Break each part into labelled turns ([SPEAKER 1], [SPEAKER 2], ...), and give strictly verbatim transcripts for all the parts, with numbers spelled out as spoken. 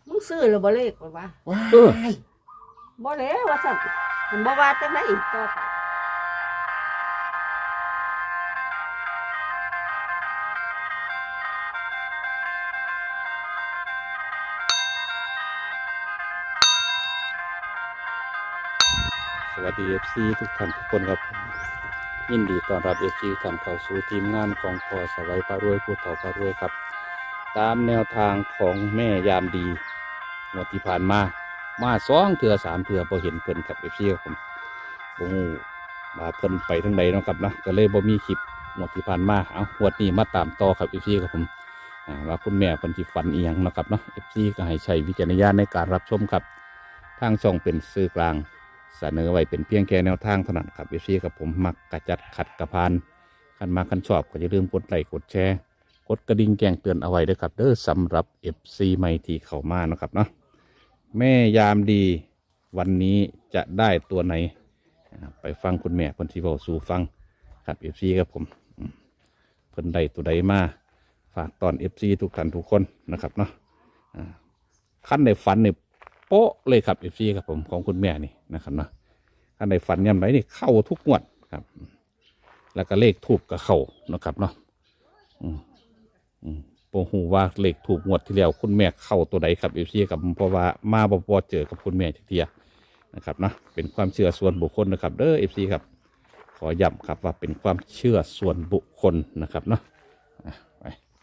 [SPEAKER 1] มึงซื้อหรือบ่เลขบ่ว่า
[SPEAKER 2] ว้า
[SPEAKER 3] เออ
[SPEAKER 2] ย
[SPEAKER 1] บ่แล้วว่าซั่นมันบ่ว่าจังได๋อีกต่อไป
[SPEAKER 3] สวัสดี เอฟ ซี ทุกท่านทุกคนครับยินดีต้อนรับ เอฟ ซี ทุกท่านเข้าสู่ทีมงานของพอสวัยพารวยผู้เฒ่าพารวยครับตามแนวทางของแม่ยามดีงวดที่ผ่านมามาสองเถื่อสามเถื่อพอเห็นเพิ่นครับ เอฟ ซี ครับผมโอ้มาเพิ่นไปทั้งใดเนาะครับนะก็เลยบ่มีคลิปงวดที่ผ่านมาเอางวดนี้มาตามต่อครับ เอฟ ซี ครับผมอ่าว่าคุณแม่เพิ่นสิฝันอีหยังเนาะครับเนาะ เอฟ ซี ก็ให้ใช้วิจารณญาณในการรับชมครับทางช่องเป็นสื่อกลางเสนอไว้เป็นเพียงแค่แนวทางเท่านั้นครับเอฟซีกับผมมักกระจัดขัดกระพานคันมาคันชอบก็อย่าลืมกดไลค์กดแชร์กดกระดิ่งแจ้งเตือนเอาไว้ด้วยครับเด้อสำหรับ เอฟ ซี ใหม่ที่เข้ามานะครับเนาะแม่ยามดีวันนี้จะได้ตัวไหนไปฟังคุณแม่เพิ่นสิเว้าสู่ฟังครับ เอฟ ซี ครับผมเพิ่นได้ตัวใดมาฝากตอน เอฟ ซี ทุกท่านทุกคนนะครับเนาะขั้นในฝันเนี่ยโป๊ะเลยครับ เอฟ ซี ครับผมของคุณแม่นี่นะครับเนาะท่านในฝันย่ำไรนี่เข้าทุกงวดครับแล้วก็เลขถูกกับเข้านะครับเนาะอืมอืมโปหูว่าเลขถูกงวดที่แล้วคุณแม่เข้าตัวใดครับ เอฟ ซี กับเพราะว่ามาบ่พอเจอกับคุณแม่ทีเดียวนะครับเนาะเป็นความเชื่อส่วนบุคคลนะครับเด้อ เอฟ ซี ครับขอย้ำครับว่าเป็นความเชื่อส่วนบุคคลนะครับเนาะไป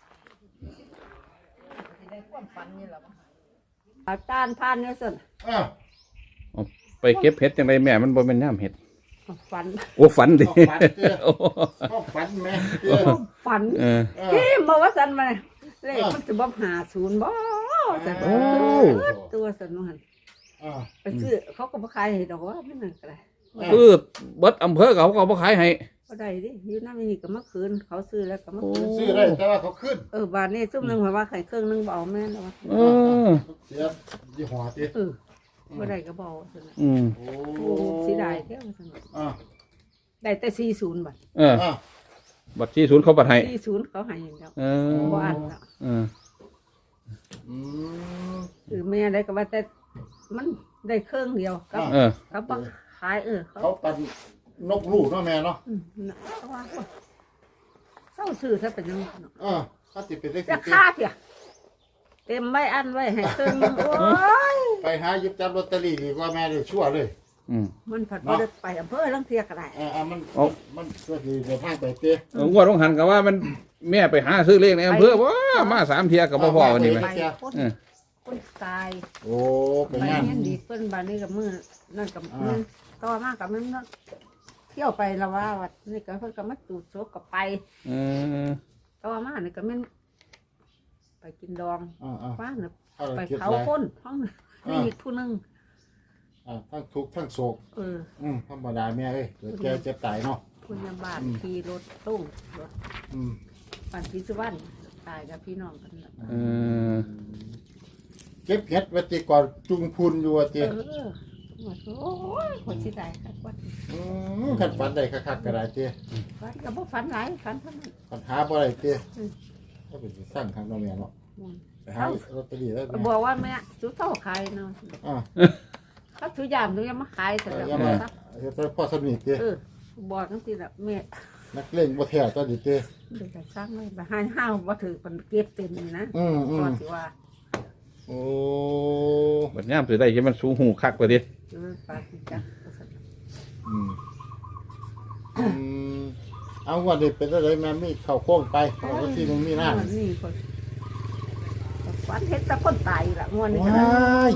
[SPEAKER 1] อาจารย์ผ่านเนี่ยซั่น
[SPEAKER 2] อ้าว
[SPEAKER 3] ไปเก็บเห็ดจังไรแม่มันบ่เป็นย่ามเห็ด
[SPEAKER 1] ฝัน
[SPEAKER 3] โอ้ฝันดิ
[SPEAKER 2] ฝันเด้อ
[SPEAKER 3] โอ้
[SPEAKER 2] ก็ฝันแม่เด้อ
[SPEAKER 1] ฝัน
[SPEAKER 3] เออ
[SPEAKER 2] เออ
[SPEAKER 1] ที่บ่ว่าซั่นมาเลขมันสิบ่หาศูนย์บ่ซั่น
[SPEAKER 3] โอ้
[SPEAKER 1] ตัวซั่นว่าหั่น
[SPEAKER 2] อ่า
[SPEAKER 1] ไปซื้อเขาก็บ่ขายให้ดอกว่ามันนั่นก็ได้
[SPEAKER 3] คือเบิดอำเภอเขาก็บ่ขายให้
[SPEAKER 1] บ่ได้ดิอยู่นำนี่ก็มาคืนเขาซื้อแล้วก็มาคืน
[SPEAKER 2] ซื้อได้แต่ว่าเขาขึ้น
[SPEAKER 1] เออบาทนี้ซุ่มหนึงว่าไข่เครื่องหนึงบ่เอาแม่นแล้วว่า
[SPEAKER 3] เออ
[SPEAKER 2] เสียยี่ห้อติ
[SPEAKER 1] เออบ่ได้ก็บ่เอาซั่นน่ะ
[SPEAKER 3] อืม
[SPEAKER 2] โอ้
[SPEAKER 1] โอ้สิได้แท้ว่าซั่นน่ะ
[SPEAKER 2] อ่า
[SPEAKER 1] ได้แต่สี่สิบบาท
[SPEAKER 3] เออ
[SPEAKER 2] อ่า
[SPEAKER 3] บัตรที่ศูนย์เขาบัตรให้
[SPEAKER 1] สี่สิบเขาให้อย่างเดียว
[SPEAKER 3] เออ
[SPEAKER 1] บ่อันแล้ว
[SPEAKER 3] เออ
[SPEAKER 2] อืม
[SPEAKER 1] คือแม่ได้ก็ว่าแต่มันได้เครื่องเดียวกับ
[SPEAKER 3] เออ
[SPEAKER 1] เขาบ่ขายเออเขา
[SPEAKER 2] เขาปันนกลูกเนาะแม่เนาะ
[SPEAKER 1] อืมน่ะเขาว่าเศร้าซื้อซะเป็นยังไงเนาะ
[SPEAKER 2] อ่าเขาติดเป็นเลข
[SPEAKER 1] จะ
[SPEAKER 2] สิบ
[SPEAKER 1] ค่าเถอะเต็มไว้อันไว้ให้เครื่องหนึ่งโอ้ย
[SPEAKER 2] ไปหาหยิบจับลอตเตอรี่ดีกว่าแม่เลยชั่วเลย
[SPEAKER 3] อืม
[SPEAKER 1] มันผัดบ่ได้ไปอำเภอลังเทียก็ได้
[SPEAKER 2] อ่าอ่ามัน
[SPEAKER 3] เอา
[SPEAKER 2] มันก็ดีเดี๋ยวพาไปเต้
[SPEAKER 3] เอองวดต้องหันกับว่ามันแม่ไปหาซื้อเลขในอำเภอว้ามาสามเทียกับพ่อวันนี้ไหม
[SPEAKER 1] ไปคน
[SPEAKER 3] เออ
[SPEAKER 1] คนตาย
[SPEAKER 2] โอ้เป็น
[SPEAKER 1] ไป
[SPEAKER 2] งาน
[SPEAKER 1] เงี้ยดีเพิ่นบ้านนี้กับมือนั่นกับ
[SPEAKER 2] อ่า
[SPEAKER 1] มือต่อมากับมันนั่นเที่ยวไปละว่าวัดนี่ก็เพิ่นก็มาจูดโซกกับไป
[SPEAKER 3] เออ
[SPEAKER 1] ต่อมานี่ก็แม่นไปกินดอง
[SPEAKER 2] อ่าอ่า
[SPEAKER 1] ว่าน่ะ
[SPEAKER 2] เอา
[SPEAKER 1] ไป
[SPEAKER 2] เก็บ
[SPEAKER 1] เผา
[SPEAKER 2] ไร
[SPEAKER 1] คนห้องนี่อีกผู้หนึง
[SPEAKER 2] อ่าทั้งทุกข์ทั้งโศก
[SPEAKER 1] เออ
[SPEAKER 2] อืมธรรมดาแม่เอ้ยเกิดแก่เจ็บตายเนาะ
[SPEAKER 1] ผู้ยามบ้าน
[SPEAKER 2] อืม
[SPEAKER 1] ขี่รถตุ้งรถ
[SPEAKER 2] อืม
[SPEAKER 1] ปันพิศวรรณตายกับพี่น้องกันน่ะ
[SPEAKER 3] เออ
[SPEAKER 2] เก็บเห็ดวัติก่อนจุงพุนอยู่ว่า
[SPEAKER 1] เอ
[SPEAKER 2] ติ
[SPEAKER 1] อโอ้ยคนสิได้ครับวัด
[SPEAKER 2] อืมขันฝันได้คักๆก็ได้ติ
[SPEAKER 1] วัดก็บ่ฝันหลายฝันเท่านั้น
[SPEAKER 2] ปัญหาบ่ได้ติ
[SPEAKER 1] อืม
[SPEAKER 2] ก็เป็นสิสร้างทางเนาะแม่เนาะ
[SPEAKER 1] อืม
[SPEAKER 2] ไปหาลอตเตอรี่ได้
[SPEAKER 1] ก็
[SPEAKER 2] แม่
[SPEAKER 1] บอกว่าแม่สุดเท่าขายเนาะ
[SPEAKER 2] อ่า
[SPEAKER 1] เขาถือยามถือยามมาขายแต่
[SPEAKER 2] เออ
[SPEAKER 1] ละ
[SPEAKER 2] อย่า
[SPEAKER 1] ค
[SPEAKER 2] มาน
[SPEAKER 1] ครับ
[SPEAKER 2] เฮ็ดให้พ่อสนิทติ
[SPEAKER 1] เออบอกจังซี่ล่ะแม่
[SPEAKER 2] นักเล่นบ่แท้ตัวนี้ติ
[SPEAKER 1] เดี๋ยวจะสร้างไว้บ่ให้ห้าวบ่ถือมันเก็บเต็มนี่นะ
[SPEAKER 2] อืมอื
[SPEAKER 1] ก่อ
[SPEAKER 2] ม
[SPEAKER 1] นสิว่า
[SPEAKER 2] โอ้
[SPEAKER 3] บัตรย่ามถือได้ใช่มันสูงหูคักกว่าดิ
[SPEAKER 1] เออปาสิจัก
[SPEAKER 2] อืมอืมเอาว่าได้เป็นอะไรแม่มีเข้าโค้งไปเอาก็ที่มันมีหน้า
[SPEAKER 1] นี่คนฝันเห็นแต่คนตายล่ะงวดนี้ก็
[SPEAKER 2] ว้
[SPEAKER 1] ได้
[SPEAKER 2] าย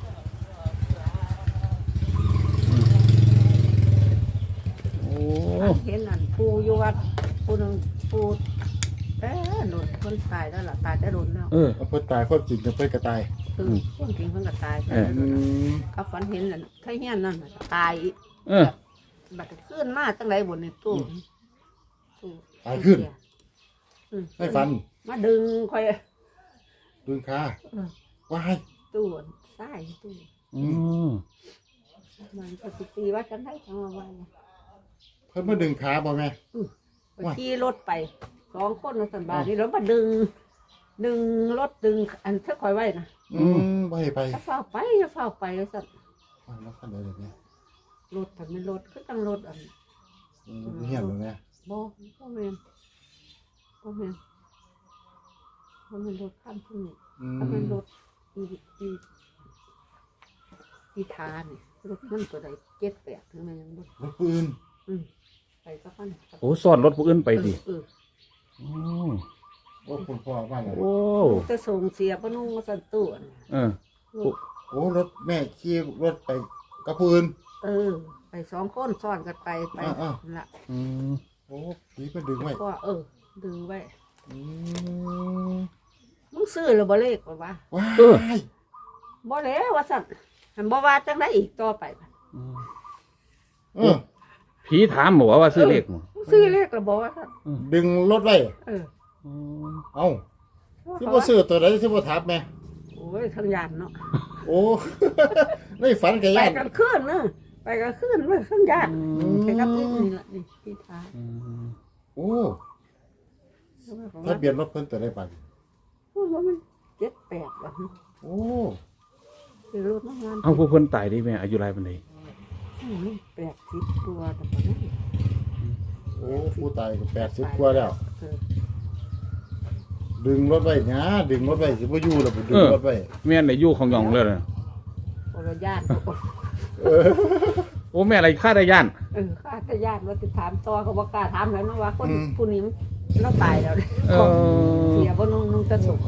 [SPEAKER 3] โอ้
[SPEAKER 1] เห็นอันปูอยู่วัดปูหนึงปูเอ๊ะหนุนคนตายแล้วล่ะตายแต่โดนแล้ว
[SPEAKER 3] เออ
[SPEAKER 2] เอาเพิ่นตายความจริงจะเพิ่นก็ตาย
[SPEAKER 1] คือคนกินเพิ่นก็ตายแต่
[SPEAKER 3] เออ
[SPEAKER 2] อืม
[SPEAKER 1] เขาฝันเห็นนั่นถ้าเฮียนนั่นน่ะตายอีก
[SPEAKER 3] เออ
[SPEAKER 1] บัดขึ้นมาจังไดบนในตู้ตู้
[SPEAKER 2] ตายขึ้น
[SPEAKER 1] อืม
[SPEAKER 2] ไม่ฟัน
[SPEAKER 1] มาดึงค่อย
[SPEAKER 2] ดึงขา
[SPEAKER 1] เออ
[SPEAKER 2] ว้าย
[SPEAKER 1] ตู้ใต้ตู้
[SPEAKER 3] อืม
[SPEAKER 1] มันก็สิตีว่าจังไดจังว่าว่า
[SPEAKER 2] เพิ่นมาดึงขาบ่แม่
[SPEAKER 1] ไปขี่รถไปสองคนน่ะสันบาทนี่แล้วมาดึง ดึงรถดึงอันเท่าคอยไว้นะ
[SPEAKER 2] อืมไปไป
[SPEAKER 1] จะเฝ้าไปจะเฝ้าไปสัตว์
[SPEAKER 2] แล้วคันใดเลยเนี่ย
[SPEAKER 1] รถถ้าไม่รถก็ต้องรถอัน
[SPEAKER 2] อืมเฮียนเลยเนี่ย
[SPEAKER 1] บ่บ่แม่นบ่แม่นบ่แม่นรถข้ามที่นี่
[SPEAKER 2] อืม
[SPEAKER 1] ถ้าเป็นรถอีอีอีทานี่รถมันตัวใดเจ็ดแปดถึงมันยังบ่
[SPEAKER 2] รถปืน
[SPEAKER 1] อืมไปก็พัน
[SPEAKER 3] โอ้ซ่อนรถผู้อื่นไปดิ
[SPEAKER 1] เออ
[SPEAKER 3] โอ้
[SPEAKER 2] โอ้คุณพ่อบ้านไหน
[SPEAKER 3] โอ้
[SPEAKER 1] เออจะส่งเสียปะนุ่งมาสั่นตัวน่ะ
[SPEAKER 3] เออ
[SPEAKER 1] รถ
[SPEAKER 2] โอ้รถแม่ขี่รถไปกับปืน
[SPEAKER 1] เออ ไปสองคนซ้อนกันไปไป
[SPEAKER 2] อ่า
[SPEAKER 1] นั่นละ
[SPEAKER 3] อืม
[SPEAKER 2] โอ้ผีมันดึงไว้
[SPEAKER 1] ก็เออ ดึงไว้
[SPEAKER 2] อืม
[SPEAKER 1] มึงซื้อหรือบ่เลขบ่วะ
[SPEAKER 2] ว้าย
[SPEAKER 1] บ่แล้วว่าสั่นหันบ่ว่าจังได้อีกต่อไปบัด
[SPEAKER 3] อืม
[SPEAKER 2] เออ
[SPEAKER 3] ผีถามบอกว่าซื้อเลขมั้ง
[SPEAKER 1] มึงซื้อเลขหรือบ่ว่าสั่น
[SPEAKER 2] ดึงรถไว้
[SPEAKER 1] เออ
[SPEAKER 3] อืม
[SPEAKER 2] เอ้าที่บ่ซื้อตัวใดที่บ่ทับแม่
[SPEAKER 1] โอ้ยทั้งยานเนาะ
[SPEAKER 2] โอ้ ไม่ฝันกับ
[SPEAKER 1] ไป
[SPEAKER 2] ญาติ
[SPEAKER 1] กันคืนเนอะไปกันคืนเว้ยทั้งยานไปกับอีกนี่ล่ะนี่ที่ทา
[SPEAKER 3] อืม
[SPEAKER 2] โอ้ถ้าเปลี่ยนรถเพิ่นตัวได้ปัน
[SPEAKER 1] โอ้ว่ามันเจ็ดแปดว่ะ
[SPEAKER 2] โอ้
[SPEAKER 1] คือรถน้ำมัน
[SPEAKER 3] เอาผู้คนตายดิแม่อายุไรปานใด
[SPEAKER 1] โอ้ยแปดสิบตัวแต่ปะนั้น
[SPEAKER 2] โอ้ผู้ตายก็แปดสิบกว่าแล้ว
[SPEAKER 1] เออ
[SPEAKER 2] ดึงรถไว้หยาดึงรถไว้สิบ่อยู่แล้วไปดึงรถไว้
[SPEAKER 3] แม่นได้อยู่ของหยองเลยนะ
[SPEAKER 1] โอรญาติ
[SPEAKER 3] โอ้แม่อะไรฆ่าได้ย่าน
[SPEAKER 1] เออข้าจะญาติว่าจะถามต่อเขาบอกกล้าถามแล้วนะว่าคนผู้นี้เราตายแล้วเนี่ย
[SPEAKER 3] เออ
[SPEAKER 1] เสียบ่นุ่งนุ่งจะสุก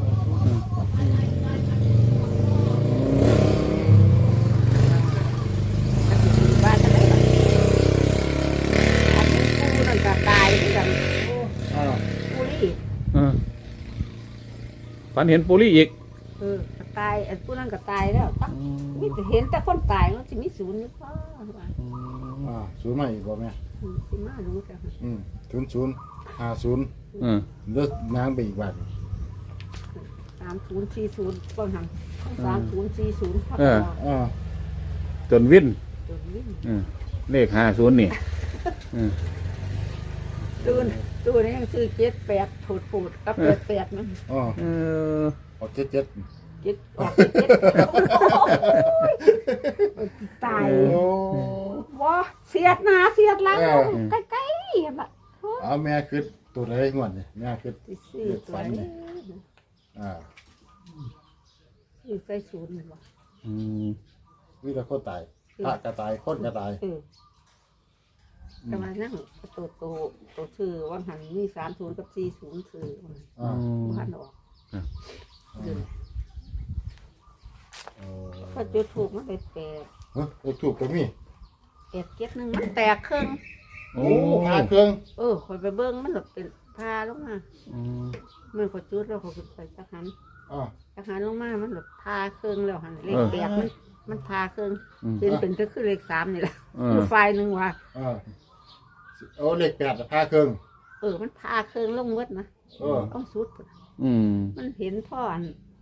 [SPEAKER 1] บ้านจะได้แบบอันนี้ผู้นั่นก็ตายเหมือนกัน
[SPEAKER 2] อ่า
[SPEAKER 1] ผู้นี่
[SPEAKER 3] เออฝันเห็นปุรีอีก
[SPEAKER 1] เออก็ตายไอ้ผู้นั่นก็ตายแล้วตั้งมีแต่เห็นแต่คนตายมันจะมีศูนย์อยู่พ่อว่า
[SPEAKER 2] อ่าศูนย์ใหม่อีกบ่แม่
[SPEAKER 1] อืมสิมารู้จัก
[SPEAKER 2] อืมศูนย์ศูนย์ห้าศูนย์
[SPEAKER 3] เออ
[SPEAKER 2] เลือกนางไปอีกวัน
[SPEAKER 1] สามศูนย์สี่ศูนย์บางหันสามศูนย์สี่ศูนย์พัก
[SPEAKER 2] อ่า
[SPEAKER 3] จนวิน
[SPEAKER 1] จนวิ่ง
[SPEAKER 3] เออเลขห้าศูนย์นี่เออ
[SPEAKER 1] ตูนตูนนี่ยังซื้อเจ็ดแปดผูดผูดกับแปดแปดมัน
[SPEAKER 2] อ๋อ
[SPEAKER 3] เออ
[SPEAKER 2] ออกเจ็ดเจ็ด
[SPEAKER 1] เจ็ดออกเจ็ดเจ็ดตาย
[SPEAKER 2] โอ้
[SPEAKER 1] ว้าเสียดหนาเสียดหลังใกล้ๆแบบ
[SPEAKER 2] เอาแม่คือตัวใดงวดนี่แม่คือ
[SPEAKER 1] สี่ตัวนี้
[SPEAKER 2] อ่า
[SPEAKER 1] สี่ใส่ศูนย์วะ
[SPEAKER 3] อืม
[SPEAKER 2] วิธีคนตายพระก็ตายคนก็ตาย
[SPEAKER 1] เออแต่ว่านั่งตัวโตตัวชื่อวันหันมีสามศูนย์กับสี่ศูนย์คือ
[SPEAKER 2] อ่า
[SPEAKER 1] วันออกเดือน
[SPEAKER 2] โอ้
[SPEAKER 1] ก็จุดถูกมันไปแปด
[SPEAKER 2] เฮ้ยถูกก็มี
[SPEAKER 1] แปดเจ็ดหนึ่งมันแตกครึ่ง
[SPEAKER 2] โอ้พาเครื่อง
[SPEAKER 1] เออคอยไปเบิ้งมันแบบเป็นพาลงมา
[SPEAKER 3] อืม
[SPEAKER 1] เมื่อขอจุดแล้วเขาขึ้นไปจักหัน
[SPEAKER 2] อ่า
[SPEAKER 1] จักหันลงมามันแบบพาเครื่องแล้วหันเลขแปดมันมันพาเครื่อง
[SPEAKER 3] อืม
[SPEAKER 1] เป็นเป็นก็คือเลขสามนี่แหละ
[SPEAKER 3] เอ
[SPEAKER 1] คือ
[SPEAKER 3] อ
[SPEAKER 1] ไฟหนึ่งว่ะ
[SPEAKER 2] อ่าโอ้เลขแปดพาเครื่อง
[SPEAKER 1] เออมันพาเครื่องลงวัดนะ
[SPEAKER 2] เออ
[SPEAKER 1] ต้องสุดพุ่น
[SPEAKER 3] อืม
[SPEAKER 1] มันเห็นพ่ออัน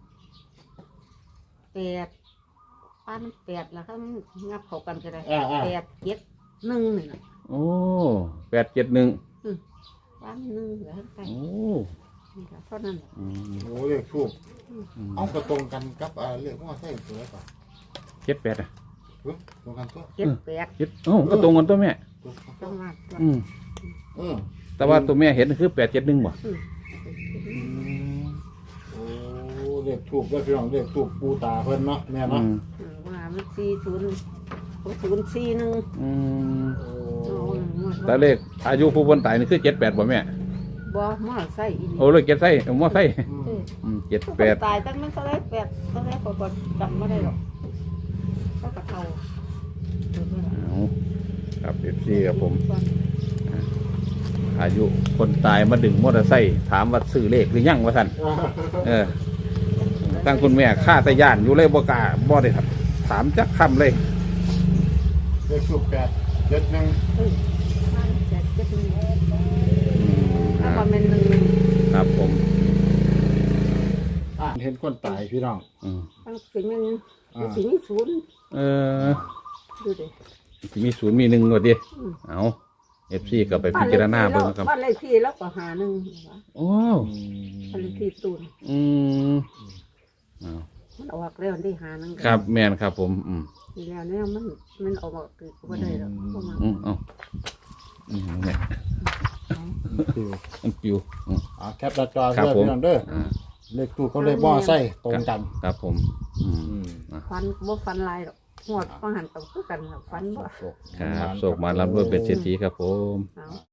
[SPEAKER 1] แปดป้านแปดแล้วครับงับเขากันก็ได้
[SPEAKER 2] อ่าอ่า
[SPEAKER 1] แปดเจ็ดหนึ่งนี่แหละ
[SPEAKER 3] โอ้แปดเจ็ดหนึ่ง
[SPEAKER 1] ป้านหนึ่งแล้วไป
[SPEAKER 3] โอ้
[SPEAKER 1] นี่ค่ะเท่านั้นแหละ
[SPEAKER 3] อืม
[SPEAKER 2] โอ้เลขทูบ
[SPEAKER 3] อืม
[SPEAKER 2] เอากระตรงกันกับอ่าเลขว่าใช่ตัวไหนป่ะ
[SPEAKER 3] เจ็ดแปดอ่ะ
[SPEAKER 2] เฮ้ยตรงกันตัว
[SPEAKER 1] เจ็ดแปด
[SPEAKER 3] เจ็ดโอ้ก็ตรงกันตัวแม่
[SPEAKER 2] ตรงกันตั
[SPEAKER 1] ต้
[SPEAKER 2] ว
[SPEAKER 1] องมาตัว
[SPEAKER 3] อืม
[SPEAKER 2] อืม
[SPEAKER 3] แต่ว่าตัวแม่เห็นคือแปดเจ็ดหนึ่งบ่
[SPEAKER 1] อืม
[SPEAKER 2] โอ้เลขทูบก็พี่น้องเลขทูบปูตาเพิ่นเนาะแม่
[SPEAKER 3] อื
[SPEAKER 2] เนาะ
[SPEAKER 3] ม
[SPEAKER 1] อืมว่ามันสี่ศูนย์ศูนย์สี่หนึ่ง
[SPEAKER 3] อืม
[SPEAKER 2] โอ้
[SPEAKER 3] แต่เลขอายุผู้คนตายนี่คือเจ็ดแปดบ่แม่
[SPEAKER 1] บ่มอไซค์อีนี่
[SPEAKER 3] โอ้เลยเจ็ดไส้มอไส้
[SPEAKER 2] อืม
[SPEAKER 1] เออ
[SPEAKER 3] อืมเจ็ด
[SPEAKER 1] ผู้
[SPEAKER 3] แปด
[SPEAKER 1] ตายตั้งนั้นเท่าไรแปดเท่าไรก็ก็จำไม่ได้หรอกก็กระเทา
[SPEAKER 3] เอาครับเอฟซีครับผม อายุคนตายมาดึงมอเตอร์ไซค์ถามว่าซื้อเลขหรือยังวะท่านเออตั้งคุณแม่ฆ่าตะย่านอยู่เลยบ่กล้าบ่ได้ครับ ถามจักคำเลย
[SPEAKER 2] เลขทูบแปดเจ็ดหนึ่ง
[SPEAKER 1] เออบ้านเจ็ดเจ็ดหนึ่ง
[SPEAKER 3] อืม
[SPEAKER 1] ถ้าว่าเป็นหนึ่ง
[SPEAKER 3] ครับผม
[SPEAKER 2] อ่ะเห็นคนตายพี่น้อง
[SPEAKER 3] อืม
[SPEAKER 1] ตั้งสิ่งหนึ่ง
[SPEAKER 2] อ่า
[SPEAKER 1] สิ่งนี้ศูนย์
[SPEAKER 3] เออ
[SPEAKER 1] ดูดิ
[SPEAKER 3] สิมีศูนย์มีหนึ่งก็ดี
[SPEAKER 1] อืม
[SPEAKER 3] เอาเอฟซีก็ไปพิจารณาเบิ่งครับ
[SPEAKER 1] บ้านเลขที่แล้วก็หาหนึ่ง
[SPEAKER 3] โอ้
[SPEAKER 1] บ้านเลขที่ตูน
[SPEAKER 3] อืมเอา
[SPEAKER 1] มันออกแล้วที่หานัง
[SPEAKER 3] ครับแม่นครับผมอืม
[SPEAKER 1] นี่แล้วเนี่ยมันมันออกมาคือก็ได้แล้วก็มา
[SPEAKER 3] อืมเอาอืมเนี่ย
[SPEAKER 2] คือ
[SPEAKER 3] มันปิวอืม
[SPEAKER 2] อ่าแคปหน้าจอ
[SPEAKER 3] ครับ
[SPEAKER 2] เด้อ
[SPEAKER 3] ผม
[SPEAKER 2] พี่น้องเด้อ
[SPEAKER 3] อ่า
[SPEAKER 2] เลขตู้เขาเลขมอไซค์ตรงกัน
[SPEAKER 3] ครับผมอืม
[SPEAKER 2] อืม
[SPEAKER 1] ฟันบ่ฟันลายหรอกหวดฟังหันกับคือกันครับฟันบ่
[SPEAKER 2] โศก
[SPEAKER 3] ครับโศกมารับด้วยเป็นเศรษฐีครับผม
[SPEAKER 1] เอา